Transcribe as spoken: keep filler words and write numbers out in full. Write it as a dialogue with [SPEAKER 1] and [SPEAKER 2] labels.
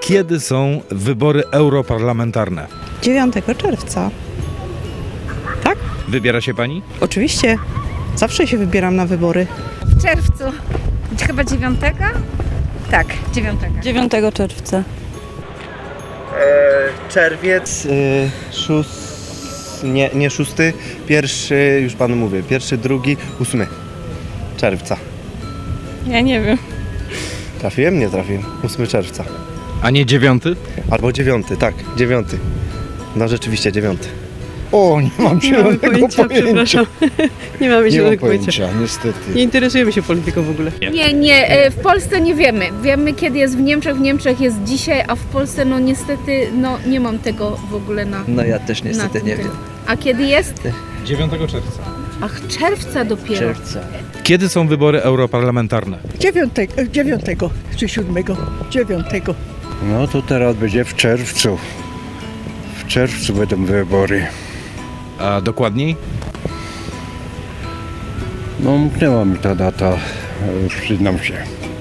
[SPEAKER 1] Kiedy są wybory europarlamentarne?
[SPEAKER 2] dziewiątego czerwca. Tak?
[SPEAKER 1] Wybiera się pani?
[SPEAKER 2] Oczywiście. Zawsze się wybieram na wybory.
[SPEAKER 3] W czerwcu. Chyba dziewiątego? Tak, dziewiątego.
[SPEAKER 4] dziewiątego czerwca.
[SPEAKER 5] E, czerwiec, y, szóst... nie, nie szósty, pierwszy, już panu mówię, pierwszy, drugi, ósmy czerwca.
[SPEAKER 4] Ja nie wiem.
[SPEAKER 5] Trafiłem? Nie trafiłem. ósmego czerwca.
[SPEAKER 1] A nie dziewiąty?
[SPEAKER 5] Albo dziewiąty, tak, dziewiąty. No rzeczywiście dziewiąty.
[SPEAKER 6] O, nie mam
[SPEAKER 2] Nie mamy
[SPEAKER 6] zielonego
[SPEAKER 2] pojęcia, przepraszam. Nie mamy
[SPEAKER 6] Nie mam
[SPEAKER 2] zielonego pojęcia.
[SPEAKER 6] pojęcia, niestety.
[SPEAKER 2] Nie interesujemy się polityką w ogóle.
[SPEAKER 3] Nie, nie, e, w Polsce nie wiemy. Wiemy, kiedy jest w Niemczech. W Niemczech jest dzisiaj, a w Polsce no niestety no nie mam tego w ogóle na.
[SPEAKER 7] No ja też niestety
[SPEAKER 3] na
[SPEAKER 7] nie
[SPEAKER 3] tym.
[SPEAKER 7] wiem.
[SPEAKER 3] A kiedy jest?
[SPEAKER 1] dziewiątego czerwca.
[SPEAKER 3] Ach, czerwca dopiero.
[SPEAKER 7] Czerwca.
[SPEAKER 1] Kiedy są wybory europarlamentarne?
[SPEAKER 8] Dziewiątego, dziewiątego czy siódmego, dziewiątego.
[SPEAKER 6] No to teraz będzie w czerwcu. W czerwcu będą wybory.
[SPEAKER 1] A dokładniej?
[SPEAKER 6] No umknęła mi ta data, e, przyznam się.